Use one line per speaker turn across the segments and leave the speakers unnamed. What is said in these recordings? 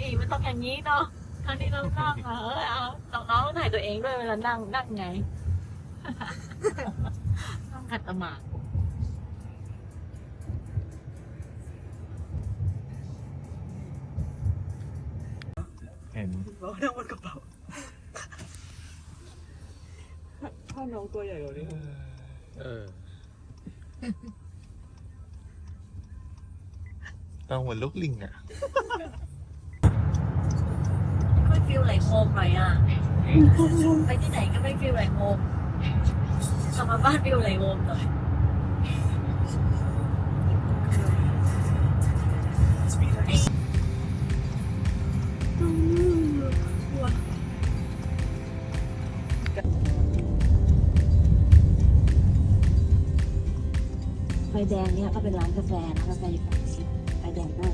อีมันต้องอย่างนี้เนาะครั้งที่เรานั่งเอาน้องๆถ่ายตัวเองด้วยเวลานั่งไงต้องขัดสมาธิ
เห็น
เรานั่งบนกระเป๋าถ้าน้องตัวใหญ่กว่านี้
ต้องเหมือนลูกลิงอ่ะ
ไม่ฟีลไหลโฮมหน่อยอ่ะไปที่ไหนก็ไม่ฟีลไหลโฮมกลับมาบ้านฟีลไหลโฮมหน่อยไฟแดงเนี่ยก็เป็นร้านกาแฟนะกาแฟอยู่ฝั่งนี้ไฟแดงมาก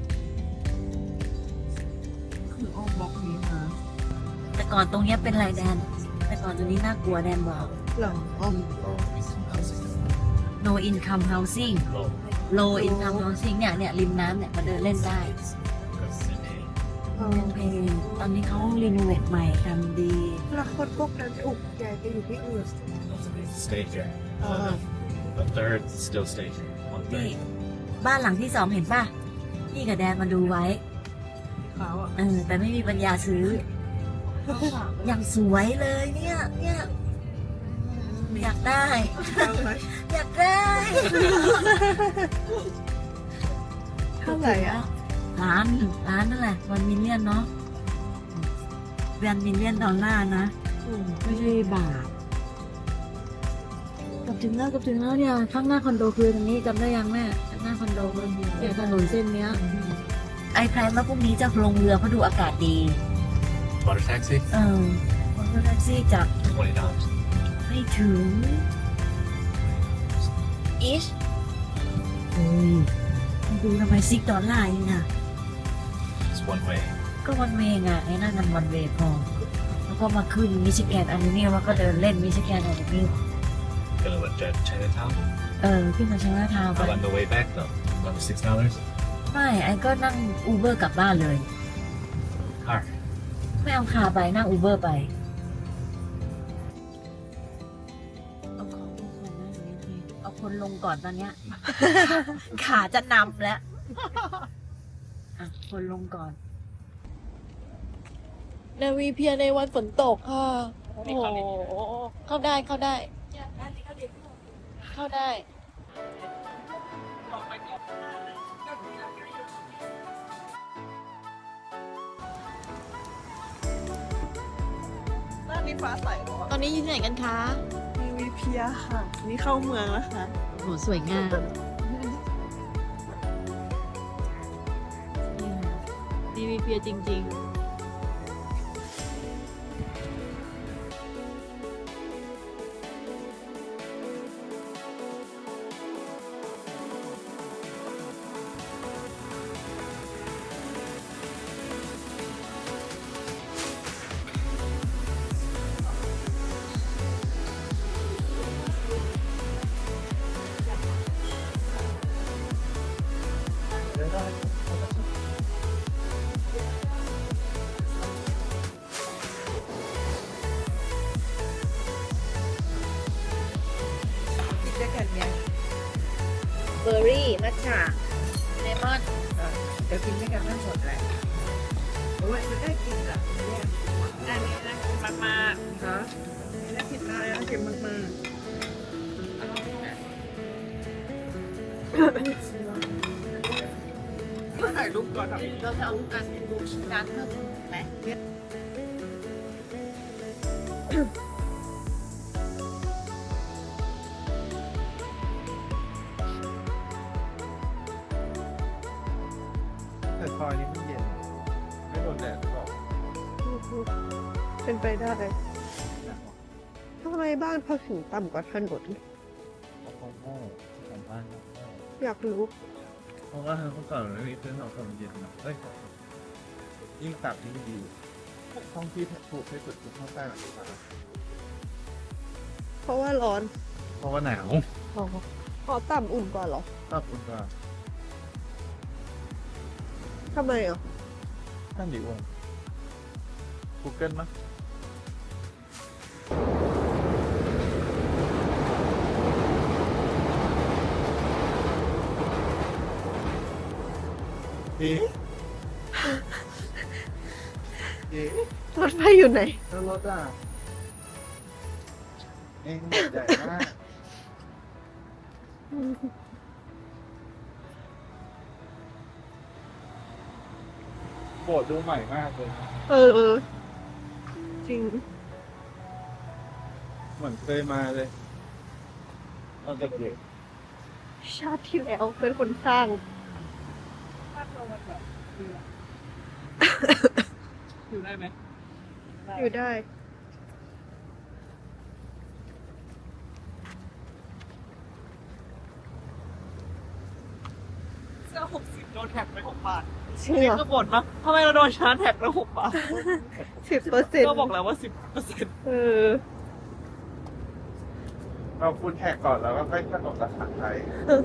คืออ้อมบล็อกนี้มา
แต่ก่อนตรงเนี้ยเป็นไรแดน แต่ก่อนตรงนี้น่ากลัวแดนบอก
หลังอ้อม
no income housing low income housing เนี่ยริมน้ำเนี่ยมาเดินเล่นได้เพลงตอนนี้เขารีโนเวทใหม่ทำดี
แล้วคนพวกนั้นถูกแกไปอยู่ที่อื่น
stay here a third still stay here one
นี่
third
บ้านหลังที่สองเห็นป่ะพี่กับแดนมาดูไว้
เขาอ่ะ
แต่ไม่มีปัญญาซื้อ อย่างสวยเลยเนี่ยอยากได้ อยากได้
เท่าไหร่อ่ะ
ล้านนั่นแหละ1 millionเนาะ$1 millionนะไม่ใช่บาทเกับถึงแล้วเนี่ยข้างหน้าคอนโดคือตรงนี้จำได้ยังแม่ข้างหน้าคอนโดเนี่ยถนนเส้นเนี้ยไอแพลนว่าพรุ่งนี้จะลงเรือเพราะดูอากาศดี
water taxi
รถแท็กซี่จาก
$20
ไม่ถึงอิชเฮ้ยดูทำไม$6เองอ่ะ
it's one way
ก็วันเวงอ่ะไอ้นั่นมันวันเวพอแล้วก็มาขึ้นมิชิแกนอลูมิเนียมแล้วก็เดินเล่นมิชิแกนอลูมิเนียม
gonna let Jet Chinatown
ขึ้นมาใช้หน้าทางไป
how on the way back though another $6
ไม่ไอ้ก็นั่งอูเบอร์กลับบ้านเลย
car
ไม่เอาคาร์ไปนั่งอูเบอร์ไปเอาคนลงก่อนตอนเนี้ย ขาจะนำแล้วอ่ะคนลงก่อน
นาวีเพียในวันฝนตกค่ะโอ้โหเข้าได้เข้าได้ เข้าได้ ด้านนี้ฟ้าใส
ตอนนี้อยู่ที่ไหนกันคะ
นาวีเพียค่ะ นี่เข้าเมืองแล้วค่ะ
โหสวยงามดีวีเพียจริง ๆ
กินด้วยกันเนี่ย
เบอร์รี่ มัทฉะเลมอน
เดี๋ยวกินด้วยกันทั้งหมดแหละโอ้ยมันได้กินอ่ะเนี่ยอันนี้นะกินมากๆฮะนี่นะกินได้แล้วกินมากๆถ่ายรูปก่อนครับ
เราจะเอาการดูการเพิ่มไหม
แต่ซอยนี้มันเย็นไม่โดนแดดหรอก
เป็นไปได้ทำไมบ้านเขาถึงต่ำกว่าถนน
ของโง่ของบ้าน
อยากรู้
เพราะว่าเมื่อก่อนมันไม่มีเครื่องทำความเย็นนะเฮ้ยยิ่งต่ำยิ่งดีห้องที่ถูกที่สุดคือห้องใต้หลังคา
เพราะว่าร้อน
เพราะว่าหนาว
พอต่ำอุ่นกว่าเหรอ
ชอบอุ่นกว่า
ทำไมอ่ะ
นั่นดิวง Google มั้ยเอ๊ะเอ๊ะ
รถไฟอยู่ไหน
แล้วรถอ่ะเองใหญ่มาก โบสถ์ดูใหม่มากเลย
เออ จริง
เหมือนเคยมาเลยตอนเด็ก
ชาติที่แล้วเป็นคนสร้าง
ภาพเรามันแบบอยู่ได้ไหม
อยู่ได้
เสื้อ60โดนแท็กไป6 บาท
จริงเหรอ
ก็บ่นว่าทำไมเราโดนชาร์จแท็กไป6 บาท
10%
ก็บอกแล้วว่า 10%
เออ
ๆเราคุณแท็กก่อนแล้วก็ค่อยกำหนดราคาไทย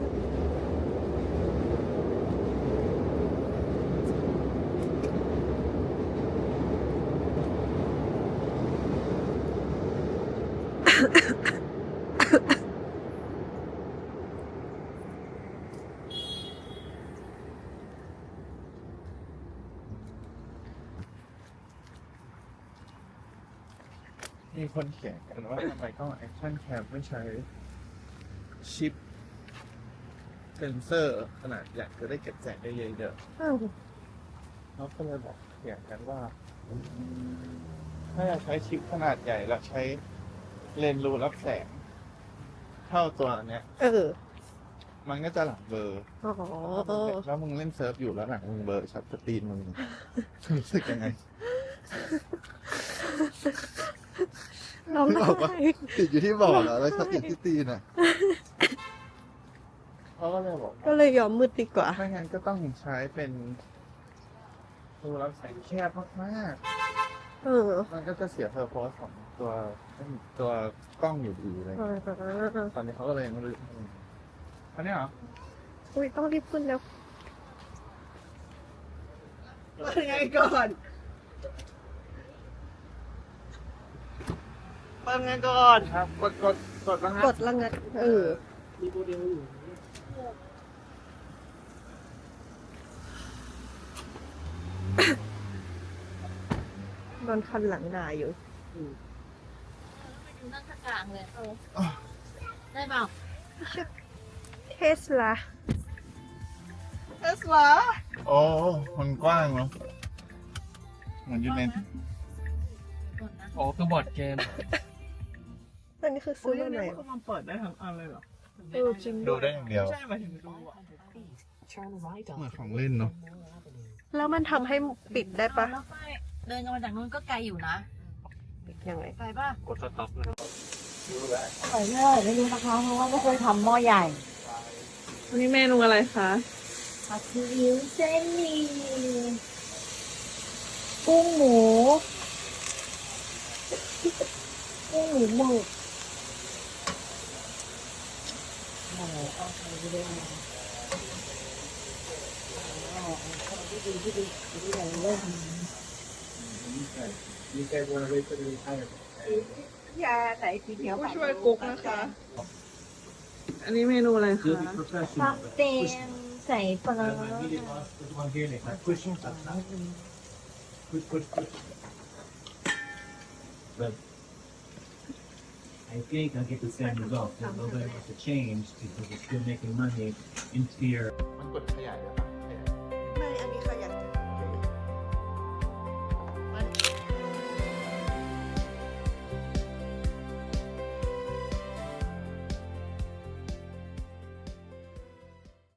มีคนเขียนกันว่าทำไมกล้องแอคชั่นแคมไม่ใช้ชิปเซนเซอร์ขนาดใหญ่จะได้เก็บแสงได้เยอะๆ
อ้าว
เขาก็เลยบอกเขียนกันว่า ถ้าอยากใช้ชิปขนาดใหญ่แล้วใช้เลนส์รูรับแสง เท่าตัวเนี้ย
เออ
มันก็จะหลังเบลอ
อ๋อ
แล้วมึงเล่นเซิร์ฟอยู่แล้วหลังมึงเบลอชัดสตรีนมึงรู้สึกยังไง
เรา
ไม่บอกว่า
ได้
ติดอยู่ที่บอร์ดเหรอแล้วชัดติดที่ตีนอ่ะเขาก็เลยบอก
ก็เลยยอมมืดดีกว่า
ไม่งั้นก็ต้องใช้เป็นรูรับแสงแคบมาก
เออ
ๆมันก็จะเสียเพอร์โพสของตัวกล้องอยู่ดีเลย ตอนนี้เขาก็เลยยังไม่รู้อันนี้เหรอ
อุ้ยต้องรีบขึ้นแล้ว
เปิดไงก่อนเปิดไงก่อน
ครับ กดแล้วฮะ
กดละงัด เออ
มีโมเดลอยู่
โดนคันหลังด่าอยู่
นั่งข้างกลางเลยได้เปล่า
เทสลา
เทสลา
โอ้มันกว้างเนาะเหมือนอยู่ใน
ก่อนนะ
โอ้คือบอร์ดเกม
อันนี้คือซื้อมาไหน
เขามันเปิดได้ทั้งอันเลยเหรอ
เออจริง
ดูได้อย่างเดียว
ใช่หมายถึงดูอ่ะ
เหมือนของเล่นเนาะ
แล้วมันทำให้ปิดได้ปะ
แล้วไปเดินกันมาจากนู้นก็ไกลอยู่นะ
ปิดยังไง
ไกลป่ะ
กดสต็อปเลย
ไกลเลยไม่รู้นะคะเพราะว่าไม่เคยทำหม้อใหญ่
วันนี้เมนูอะไรคะ
ผัดซีอิ๊วเส้นหมี่กุ้งหมู กุ้งหมูหมึกโอ้โหเอาไปเลยที่ไหนเล่น
ยาไหนสีเขียว
ผู้ช่วยกุ๊กนะคะ อันนี้เมนูอะไรคะ
ปักเต็มใส่ปลา
I think I'll get the same result. There's a little bit of a change because it's still making money into your
มันกดขยายเลยปะ